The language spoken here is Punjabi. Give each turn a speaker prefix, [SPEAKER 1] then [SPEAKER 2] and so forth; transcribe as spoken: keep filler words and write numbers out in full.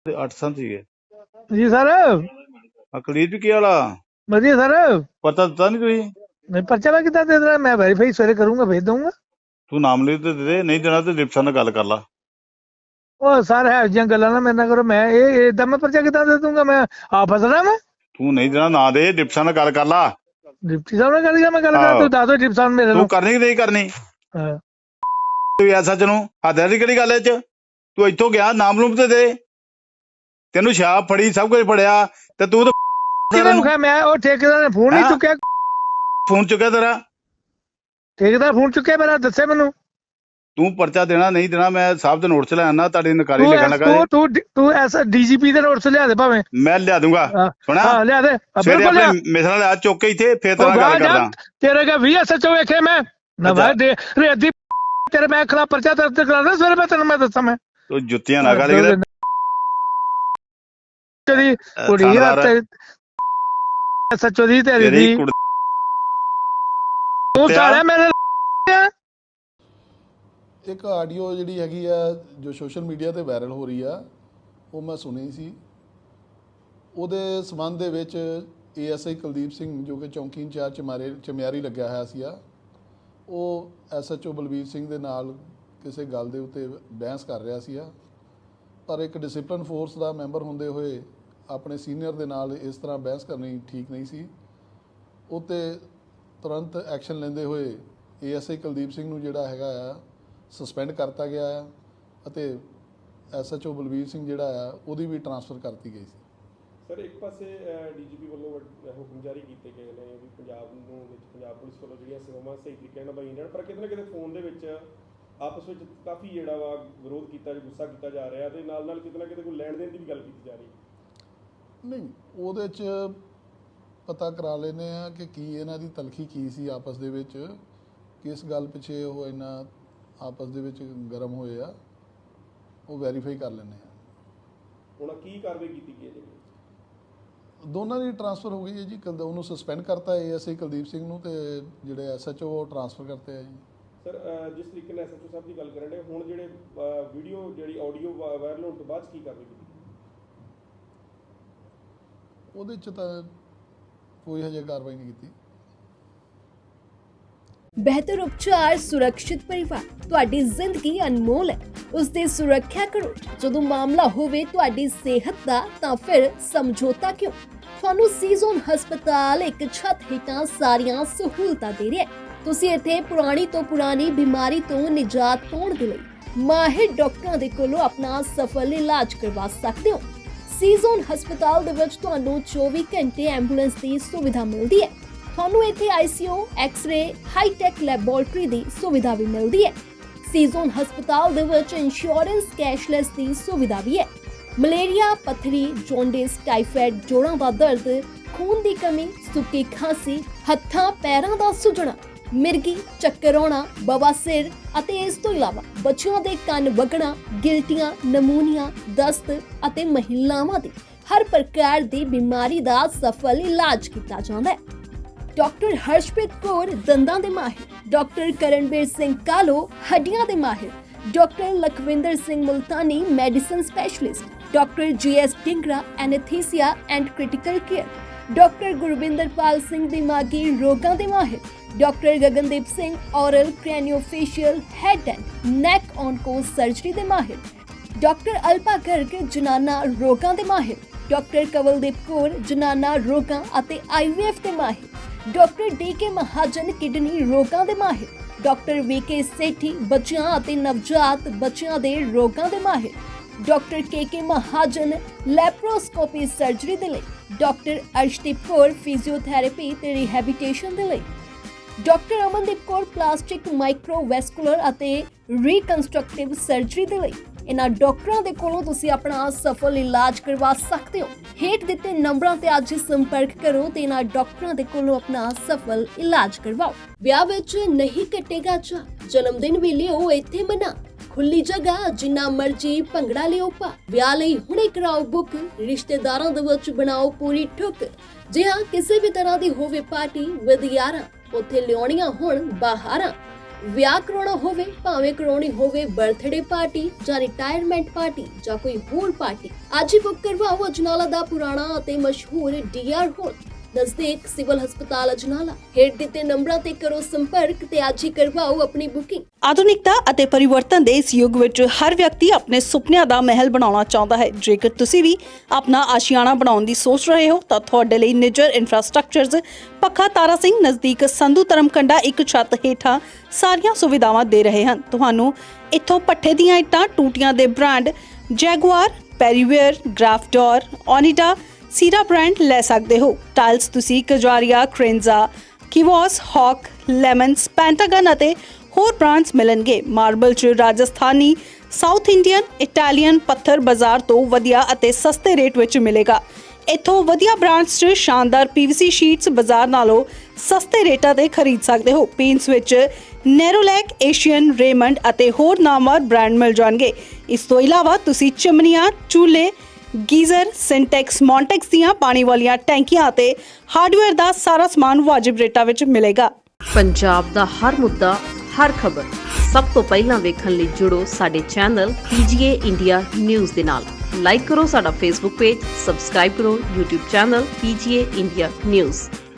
[SPEAKER 1] ਤੇ ਅੱਠ ਸੰਤ ਸੀਗੇ
[SPEAKER 2] ਜੀ ਸਰ।
[SPEAKER 1] ਅਕਲੀਤ ਵੀ ਕੀ ਵਾਲਾ
[SPEAKER 2] ਵਧੀਆ ਸਰ।
[SPEAKER 1] ਪਤਾ ਦਿੱਤਾ ਨਹੀਂ ਤੁਸੀਂ?
[SPEAKER 2] ਮੈਂ ਪਰਚਾ ਮੈਂ ਕਿੱਦਾਂ ਦੇ ਦੇਣਾ? ਮੈਂ ਵੈਰੀਫਾਈ ਸਵੇਰੇ ਕਰੂੰਗਾ, ਭੇਜ ਦਊਂਗਾ।
[SPEAKER 1] ਤੂੰ ਨਾਮ ਲਿਖ ਤੇ ਦੇ ਦੇ, ਨਹੀਂ ਦੇਣਾ ਤੇ ਡਿਪਟੀ ਨਾਲ ਗੱਲ ਕਰ ਲਾ।
[SPEAKER 2] ਉਹ ਸਰ ਹੈ ਜਿਹੀਆਂ ਗੱਲਾਂ ਨਾ ਮੇਰੇ ਨਾਲ ਕਰੋ। ਮੈਂ ਇਹ ਏਦਾਂ ਮੈਂ ਪਰਚਾ ਕਿੱਦਾਂ ਦੇ ਦੂੰਗਾ? ਮੈਂ ਆ ਫਸਣਾ ਮੈਂ।
[SPEAKER 1] ਤੂੰ ਨਹੀਂ ਦੇਣਾ ਨਾ ਦੇ, ਡਿਪਟੀ ਨਾਲ ਗੱਲ ਕਰ ਲਾ।
[SPEAKER 2] ਡਿਪਟੀ ਸਾਹਿਬ ਨਾਲ ਗੱਲ ਕਰ ਮੈਂ ਗੱਲ ਕਰਾਂ?
[SPEAKER 1] ਆਹੋ।
[SPEAKER 2] ਤੂੰ ਦੱਸ ਦੋ ਡਿਪਟੀ ਸਾਹਿਬ ਮੇਰੇ
[SPEAKER 1] ਤੂੰ
[SPEAKER 2] ਨੂੰ।
[SPEAKER 1] ਕਰਨੀ ਕਿ ਨਹੀਂ ਕਰਨੀ?
[SPEAKER 2] ਹਾਂ।
[SPEAKER 1] ਤੂੰ ਐਸਾ ਚ ਨੂੰ ਹੱਦਾਂ ਦੀ ਕਿਹੜੀ ਗੱਲ ਇਹ ਚ? ਤੂੰ ਇੱਥੋਂ ਗਿਆ, ਨਾਮ ਲੂਮ ਤੇ ਦੇ। ਤੈਨੂੰ ਸ਼ਾਪ ਫੜੀ, ਸਭ ਕੁਝ ਫੜਿਆ ਤੇ ਤੂੰ ਤਾਂ
[SPEAKER 2] ਕਿਹਨੇ ਮੁਖਾ? ਮੈਂ ਉਹ ਠੇਕੇਦਾਰ ਨੇ ਫੋਨ ਨਹੀਂ ਚੁੱਕਿਆ।
[SPEAKER 1] ਫੋਨ ਚੁੱਕਿਆ ਤੇਰਾ?
[SPEAKER 2] ਠੇਕੇਦਾਰ ਫੋਨ ਚੁੱਕਿਆ ਮੇਰਾ? ਦੱਸੇ ਮੈਨੂੰ।
[SPEAKER 1] ਤੂੰ ਪਰਚਾ ਦੇਣਾ ਨਹੀਂ ਦੇਣਾ, ਮੈਂ ਸਾਹਿਬ ਦੇ ਨੋਟ ਚ ਲੈ ਆਣਾ, ਤੁਹਾਡੀ ਨਕਾਰੀ
[SPEAKER 2] ਤੂੰ
[SPEAKER 1] ਲਿਖਣ
[SPEAKER 2] ਐਸ
[SPEAKER 1] ਲੱਗਾ
[SPEAKER 2] ਤੂੰ
[SPEAKER 1] ਜੀ।
[SPEAKER 2] ਤੂੰ ਤੂੰ ਐਸ ਡੀਜੀਪੀ ਦੇ ਨੋਟਸ ਲਿਆ ਦੇ ਭਾਵੇਂ।
[SPEAKER 1] ਮੈਂ ਲਿਆ ਦੂੰਗਾ। ਸੁਣਾ,
[SPEAKER 2] ਹਾਂ ਲਿਆ ਦੇ
[SPEAKER 1] ਸਵੇਰੇ
[SPEAKER 2] ਬਿਲਕੁਲ ਲਿਆ।
[SPEAKER 1] ਆਪਣੇ ਮਿਸਰਾਂ ਲਿਆ ਚੁੱਕ ਕੇ ਇੱਥੇ, ਫੇਰ ਤੇਰਾ ਗੱਲ ਕਰਦਾ।
[SPEAKER 2] ਤੇਰੇ ਕਾ ਵੀ ਐਸਐਚਓ ਵੇਖੇ ਮੈਂ ਨਾ ਭਾਈ ਦੇ ਰੇਦੀ ਤੇਰੇ ਮੈਂ ਖਿਲਾਫ ਪਰਚਾ ਦਰਜ ਕਰਾਉਣਾ ਸਵੇਰੇ। ਮੈਂ ਤੈਨੂੰ ਮੈਂ ਦੱਸਾਂ ਮੈਂ
[SPEAKER 1] ਤੂੰ ਜੁੱਤੀਆਂ ਨਾ ਕਰ ਕਿਤੇ
[SPEAKER 2] ਤੇਰੀ ਕੁੜੀ ਆ ਤੇ ਐਸਐਚਓ ਦੀ ਤੇਰੀ ਦੀ ਤੂੰ ਸਾਲਿਆ ਮੇਰੇ
[SPEAKER 3] ਇੱਕ ਆਡੀਓ ਜਿਹੜੀ ਹੈਗੀ ਆ ਜੋ ਸੋਸ਼ਲ ਮੀਡੀਆ ਤੇ ਵਾਇਰਲ ਹੋ ਰਹੀ ਆ, ਉਹ ਮੈਂ ਸੁਣੀ ਸੀ। ਉਹਦੇ ਸੰਬੰਧ ਦੇ ਵਿੱਚ ਏਐਸਆਈ ਕੁਲਦੀਪ ਸਿੰਘ ਜੋ ਕਿ ਚੌਂਕੀ ਇੰਚਾਰਜ ਚਮਾਰੇ ਚਮਿਆਰੀ ਲੱਗਿਆ ਹੋਇਆ ਸੀ ਆ, ਉਹ ਐਸਐਚਓ ਬਲਬੀਰ ਸਿੰਘ ਦੇ ਨਾਲ ਕਿਸੇ ਗੱਲ ਦੇ ਉੱਤੇ ਬਹਿਸ ਕਰ ਰਿਹਾ ਸੀ ਆ। ਪਰ ਇੱਕ ਡਿਸਪਲਿਨ ਫੋਰਸ ਦਾ ਮੈਂਬਰ ਹੁੰਦੇ ਹੋਏ ਆਪਣੇ ਸੀਨੀਅਰ ਦੇ ਨਾਲ ਇਸ ਤਰ੍ਹਾਂ ਬਹਿਸ ਕਰਨੀ ਠੀਕ ਨਹੀਂ ਸੀ। ਉਹ 'ਤੇ ਤੁਰੰਤ ਐਕਸ਼ਨ ਲੈਂਦੇ ਹੋਏ ਏਐਸਆਈ ਕੁਲਦੀਪ ਸਿੰਘ ਨੂੰ ਜਿਹੜਾ ਹੈਗਾ ਆ ਸਸਪੈਂਡ ਕਰਤਾ ਗਿਆ ਆ ਅਤੇ ਐਸਐਚਓ ਬਲਬੀਰ ਸਿੰਘ ਜਿਹੜਾ ਆ ਉਹਦੀ ਵੀ ਟਰਾਂਸਫਰ ਕਰਤੀ ਗਈ ਸੀ।
[SPEAKER 4] ਸਰ ਇੱਕ ਪਾਸੇ ਡੀਜੀਪੀ ਵੱਲੋਂ ਹੁਕਮ ਜਾਰੀ ਕੀਤੇ ਗਏ ਨੇ ਵੀ ਪੰਜਾਬ ਨੂੰ ਵਿੱਚ ਪੰਜਾਬ ਪੁਲਿਸ ਵੱਲੋਂ ਜਿਹੜੀਆਂ ਸੇਵਾਵਾਂ ਸਹੀ ਤਰੀਕੇ ਨਾਲ ਨਿਭਾਈਆਂ ਜਾਣ, ਪਰ ਕਿਤੇ ਨਾ ਕਿਤੇ ਫੋਨ ਦੇ ਵਿੱਚ ਆਪਸ ਵਿੱਚ ਕਾਫੀ ਜਿਹੜਾ ਵਾ ਵਿਰੋਧ ਕੀਤਾ, ਗੁੱਸਾ ਕੀਤਾ ਜਾ ਰਿਹਾ ਤੇ ਨਾਲ ਨਾਲ ਕਿਤੇ ਨਾ ਕਿਤੇ ਕੋਈ ਲੈਣ ਦੇਣ ਦੀ ਵੀ ਗੱਲ ਕੀਤੀ ਜਾ ਰਹੀ। ਨਹੀਂ,
[SPEAKER 3] ਉਹਦੇ 'ਚ ਪਤਾ ਕਰਾ ਲੈਂਦੇ ਆ ਕਿ ਕੀ ਇਹਨਾਂ ਦੀ ਤਲਖੀ ਕੀ ਸੀ ਆਪਸ ਦੇ ਵਿੱਚ, ਕਿਸ ਗੱਲ ਪਿੱਛੇ ਉਹ ਇੰਨਾ ਆਪਸ ਦੇ ਵਿੱਚ ਗਰਮ ਹੋਏ ਆ, ਉਹ ਵੈਰੀਫਾਈ ਕਰ ਲੈਂਦੇ ਆ।
[SPEAKER 4] ਹੁਣ ਕੀ ਕਾਰਵਾਈ ਕੀਤੀ ਗਈ ਹੈ ਜੀ?
[SPEAKER 3] ਦੋਨਾਂ ਦੀ ਟਰਾਂਸਫਰ ਹੋ ਗਈ ਹੈ ਜੀ। ਕਲ ਉਹਨੂੰ ਸਸਪੈਂਡ ਕਰਤਾ ਏਐਸਆਈ ਕੁਲਦੀਪ ਸਿੰਘ ਨੂੰ, ਤੇ ਜਿਹੜੇ ਐਸਐਚਓ ਉਹ ਟਰਾਂਸਫਰ ਕਰਤੇ ਆ ਜੀ।
[SPEAKER 4] ਸਰ ਜਿਸ ਤਰੀਕੇ ਨਾਲ ਐਸਐਚਓ ਸਾਹਿਬ ਦੀ ਗੱਲ ਕਰਨ ਦੇ, ਹੁਣ ਜਿਹੜੇ ਵੀਡੀਓ ਜਿਹੜੀ ਆਡੀਓ ਵਾਇਰਲ ਹੋਣ ਤੋਂ ਬਾਅਦ ਕੀ ਕਾਰਵਾਈ ਕੀਤੀ?
[SPEAKER 3] ਉਹਦੇ 'ਚ ਤਾਂ ਕੋਈ ਹਜੇ ਕਾਰਵਾਈ ਨਹੀਂ ਕੀਤੀ।
[SPEAKER 5] ਬਿਹਤਰ ਉਪਚਾਰ, ਸੁਰੱਖਿਅਤ ਪਰਿਵਾਰ। ਤੁਹਾਡੀ ਜ਼ਿੰਦਗੀ ਅਨਮੋਲ ਹੈ, ਉਸ ਦੀ ਸੁਰੱਖਿਆ ਕਰੋ। ਜਦੋਂ ਮਾਮਲਾ ਹੋਵੇ ਤੁਹਾਡੀ ਸਿਹਤ ਦਾ, ਤਾਂ ਫਿਰ ਸਮਝੌਤਾ ਕਿਉਂ? ਤੁਹਾਨੂੰ ਸੀਜ਼ਨ ਹਸਪਤਾਲ ਇੱਕ ਛੱਤ ਹੇਠਾਂ ਸਾਰੀਆਂ ਸਹੂਲਤਾਂ ਦੇ ਰਿਹਾ ਹੈ। ਤੁਸੀਂ ਇੱਥੇ ਪੁਰਾਣੀ ਤੋਂ ਪੁਰਾਣੀ ਬਿਮਾਰੀ ਤੋਂ ਨਿਜਾਤ ਪਾਉਣ ਦੇ ਲਈ ਮਾਹਿਰ ਡਾਕਟਰਾਂ ਦੇ ਕੋਲੋਂ ਆਪਣਾ ਸਫਲ ਇਲਾਜ ਕਰਵਾ ਸਕਦੇ ਹੋ। ਸੀਜ਼ਨ ਹਸਪਤਾਲ ਦੇ ਵਿੱਚ ਤੁਹਾਨੂੰ ਚੌਵੀ ਘੰਟੇ ਐਂਬੂਲੈਂਸ ਦੀ ਸੁਵਿਧਾ ਮਿਲਦੀ ਹੈ। ਤੁਹਾਨੂੰ ਇੱਥੇ ਆਈਸੀਯੂ, ਐਕਸ-ਰੇ, ਹਾਈ-ਟੈਕ ਲੈਬੋਰੇਟਰੀ ਦੀ ਸੁਵਿਧਾ ਵੀ ਮਿਲਦੀ ਹੈ। ਸੀਜ਼ਨ ਹਸਪਤਾਲ ਦੇ ਵਿੱਚ ਇੰਸ਼ੋਰੈਂਸ ਕੈਸ਼ਲੈਸ ਦੀ ਸੁਵਿਧਾ ਵੀ ਹੈ। ਮਲੇਰੀਆ, ਪੱਥਰੀ, ਜੌਂਡਿਸ, ਟਾਈਫਾਇਡ, ਜੋੜਾਂ ਦਾ ਦਰਦ, ਖੂਨ ਦੀ ਕਮੀ, ਸੁੱਕੀ ਖਾਂਸੀ, ਹੱਥਾਂ ਪੈਰਾਂ ਦਾ ਸੁੱਜਣਾ, ਮਿਰਗੀ, ਚੱਕਰ ਆਉਣਾ, ਬਵਾਸੀਰ ਅਤੇ ਇਸ ਤੋਂ ਇਲਾਵਾ ਬੱਚਿਆਂ ਦੇ ਕੰਨ ਵਗਣਾ, ਗਿਲਟੀਆਂ, ਨਮੂਨੀਆ, ਦਸਤ ਅਤੇ ਮਹਿਲਾਵਾਂ ਦੀ ਹਰ ਪ੍ਰਕਾਰ ਦੀ ਬਿਮਾਰੀ ਦਾ ਸਫਲ ਇਲਾਜ ਕੀਤਾ ਜਾਂਦਾ ਹੈ। ਡਾਕਟਰ ਹਰਸ਼ਪ੍ਰੀਤ ਕੌਰ ਦੰਦਾਂ ਦੇ ਮਾਹਿਰ, ਡਾਕਟਰ ਕਰਨਵੀਰ ਸਿੰਘ ਕਾਲੋ ਹੱਡੀਆਂ ਦੇ ਮਾਹਿਰ, doctor Lakhwinder Singh Multani medicine specialist, doctor GS Dingra anaesthesia and critical care, doctor Gurvinderpal Singh ਦਿਮਾਗੀ ਰੋਗਾਂ ਦੇ ਮਾਹਿਰ, doctor Gagandeep Singh oral craniofacial head and neck onco surgery ਦੇ ਮਾਹਿਰ, ਡਾਕਟਰ ਅਲਪਾ ਗਰਗ ਜਨਾਨਾ ਰੋਗਾਂ ਦੇ ਮਾਹਿਰ, ਡਾਕਟਰ ਕਵਲਦੀਪ ਕੌਰ ਜਨਾਨਾ ਰੋਗਾਂ ਅਤੇ ਆਈਵੀਐਫ ਦੇ ਮਾਹਿਰ, doctor D K Mahajan kidney ਰੋਗਾਂ ਦੇ ਮਾਹਿਰ, ਡਾਕਟਰ ਵੀ ਕੇ ਸੇਠੀ ਬੱਚਿਆਂ ਅਤੇ ਨਵਜਾਤ ਬੱਚਿਆਂ ਦੇ ਰੋਗਾਂ ਦੇ ਮਾਹਿਰ, doctor K K Mahajan laparoscopy surgery ਦੇ ਲਈ, ਡਾਕਟਰ ਅਰਸ਼ਦੀਪ ਕੌਰ ਫਿਜ਼ੀਓਥੈਰੇਪੀ ਤੇ ਰਿਹੈਬਿਲਿਟੇਸ਼ਨ ਦੇ ਲਈ, doctor Amandeep Kaur plastic microvascular ਅਤੇ ਰੀਕਨਸਟਰਕਟਿਵ ਸਰਜਰੀ ਦੇ ਲਈ। ਇਹਨਾਂ ਡਾਕਟਰਾਂ ਦੇ ਕੋਲੋਂ ਤੁਸੀਂ ਆਪਣਾ ਸਫਲ ਇਲਾਜ ਕਰਵਾ ਸਕਦੇ ਹੋ। ਹੇਠ ਦਿੱਤੇ ਨੰਬਰਾਂ ਤੇ ਅੱਜ ਸੰਪਰਕ ਕਰੋ ਤੇ ਇਹਨਾਂ ਡਾਕਟਰਾਂ ਦੇ ਕੋਲੋਂ ਆਪਣਾ ਸਫਲ ਇਲਾਜ ਕਰਵਾਓ। ਵਿਆਹ ਵਿੱਚ ਨਹੀਂ ਕੱਟੇਗਾ ਚਾਅ, ਜਨਮ ਦਿਨ ਵੀ ਲਿਓ ਇੱਥੇ ਮਨਾ। ਖੁੱਲੀ ਜਗ੍ਹਾ, ਜਿੰਨਾ ਮਰਜੀ ਭੰਗੜਾ ਲਿਓ ਪਾ। ਵਿਆਹ ਲਈ ਹੁਣੇ ਕਰਾਓ ਬੁੱਕ, ਰਿਸ਼ਤੇਦਾਰਾਂ ਦੇ ਵਿੱਚ ਬਣਾਓ ਪੂਰੀ ਠੁੱਕ। ਜੇ ਹਾਂ ਕਿਸੇ ਵੀ ਤਰ੍ਹਾਂ ਦੀ ਹੋਵੇ ਪਾਰਟੀ ਵਿਦ ਯਾਰਾਂ, ਉੱਥੇ ਲਿਆਉਣੀਆਂ ਹੁਣ ਬਾਹਰਾਂ। ਵਿਆਹ ਕਰਾਉਣਾ ਹੋਵੇ, ਭਾਵੇਂ ਕਰਾਉਣੀ ਹੋਵੇ ਬਰਥਡੇ ਪਾਰਟੀ ਜਾਂ ਰਿਟਾਇਰਮੈਂਟ ਪਾਰਟੀ ਜਾਂ ਕੋਈ ਹੋਰ ਪਾਰਟੀ, ਅੱਜ ਹੀ ਬੁੱਕ ਕਰਵਾਓ ਅਜਨਾਲਾ ਦਾ ਪੁਰਾਣਾ ਅਤੇ ਮਸ਼ਹੂਰ ਡੀ ਆਰ ਹਾਲ, ਨਜ਼ਦੀਕ ਸਿਵਲ ਹਸਪਤਾਲ ਅਜਨਾਲਾ। ਹੇਠ ਦਿੱਤੇ ਨੰਬਰਾਂ ਤੇ ਕਰੋ ਸੰਪਰਕ ਤੇ ਅੱਜ ਹੀ ਕਰਵਾਓ ਆਪਣੀ ਬੁਕਿੰਗ।
[SPEAKER 6] ਆਧੁਨਿਕਤਾ ਅਤੇ ਪਰਿਵਰਤਨ ਦੇ ਇਸ ਯੁੱਗ ਵਿੱਚ ਹਰ ਵਿਅਕਤੀ ਆਪਣੇ ਸੁਪਨਿਆਂ ਦਾ ਮਹਿਲ ਬਣਾਉਣਾ ਚਾਹੁੰਦਾ ਹੈ। ਜੇਕਰ ਤੁਸੀਂ ਵੀ ਆਪਣਾ ਆਸ਼ੀਆਣਾ ਬਣਾਉਣ ਦੀ ਸੋਚ ਰਹੇ ਹੋ ਤਾਂ ਤੁਹਾਡੇ ਲਈ ਨਿੱਜਰ ਇਨਫਰਾਸਟ੍ਰਕਚਰਜ਼ ਪੱਖਾ ਤਾਰਾ ਸਿੰਘ ਨਜ਼ਦੀਕ ਸੰਧੂ ਧਰਮਕੰਡਾ ਇੱਕ ਛੱਤ ਹੇਠਾਂ ਸਾਰੀਆਂ ਸੁਵਿਧਾਵਾਂ ਦੇ ਰਹੇ ਹਨ। ਤੁਹਾਨੂੰ ਇੱਥੋਂ ਪੱਠੇ ਦੀਆਂ ਇੱਟਾਂ, ਟੂਟੀਆਂ ਦੇ ਬ੍ਰਾਂਡ ਜੈਗੁਆਰ, ਪੈਰੀਵੇਅਰ, ਗ੍ਰਾਫਡੋਰ, ਓਨੀਡਾ, ਸੀਰਾ ਬ੍ਰਾਂਡ ਲੈ ਸਕਦੇ ਹੋ। ਟਾਈਲਸ ਤੁਸੀਂ ਕਜਾਰੀਆ, ਕ੍ਰੇਨਜ਼ਾ, ਕਿਵੋਸ, ਹੌਕ, ਲੈਮਨਸ, ਪੈਂਟਾਗਨ ਅਤੇ ਹੋਰ ਬ੍ਰਾਂਡਸ ਮਿਲਣਗੇ। ਮਾਰਬਲ 'ਚ ਰਾਜਸਥਾਨੀ, ਸਾਊਥ ਇੰਡੀਅਨ, ਇਟਾਲੀਅਨ ਪੱਥਰ ਬਾਜ਼ਾਰ ਤੋਂ ਵਧੀਆ ਅਤੇ ਸਸਤੇ ਰੇਟ ਵਿੱਚ ਮਿਲੇਗਾ। ਇੱਥੋਂ ਵਧੀਆ ਬ੍ਰਾਂਡਸ 'ਚ ਸ਼ਾਨਦਾਰ ਪੀਵੀਸੀ ਸ਼ੀਟਸ ਬਾਜ਼ਾਰ ਨਾਲੋਂ ਸਸਤੇ ਰੇਟਾਂ ਤੇ ਖਰੀਦ ਸਕਦੇ ਹੋ। ਪੇਂਟਸ ਵਿੱਚ ਨੈਰੋਲੈਕ, ਏਸ਼ੀਅਨ, ਰੇਮੰਡ ਅਤੇ ਹੋਰ ਨਾਮਵਰ ਬ੍ਰਾਂਡ ਮਿਲ ਜਾਣਗੇ। ਇਸ ਤੋਂ ਇਲਾਵਾ ਤੁਸੀਂ ਚਿਮਨੀਆਂ, ਚੂਲੇ, ਗੀਜ਼ਰ, ਸਿੰਟੈਕਸ, ਮੌਂਟੈਕਸ ਦੀਆਂ ਪਾਣੀ ਵਾਲੀਆਂ ਟੈਂਕੀਆਂ ਅਤੇ ਹਾਰਡਵੇਅਰ ਦਾ ਸਾਰਾ ਸਮਾਨ ਵਾਜਿਬ ਰੇਟਾਂ ਵਿੱਚ ਮਿਲੇਗਾ।
[SPEAKER 7] ਪੰਜਾਬ ਦਾ ਹਰ ਮੁੱਦਾ, ਹਰ ਖਬਰ ਸਭ ਤੋਂ ਪਹਿਲਾਂ ਵੇਖਣ ਲਈ ਜੁੜੋ ਸਾਡੇ ਚੈਨਲ ਪੀਜੀਏ ਇੰਡੀਆ ਨਿਊਜ਼ ਦੇ ਨਾਲ। ਲਾਈਕ ਕਰੋ ਸਾਡਾ ਫੇਸਬੁੱਕ ਪੇਜ, ਸਬਸਕ੍ਰਾਈਬ ਕਰੋ YouTube channel PGA India news.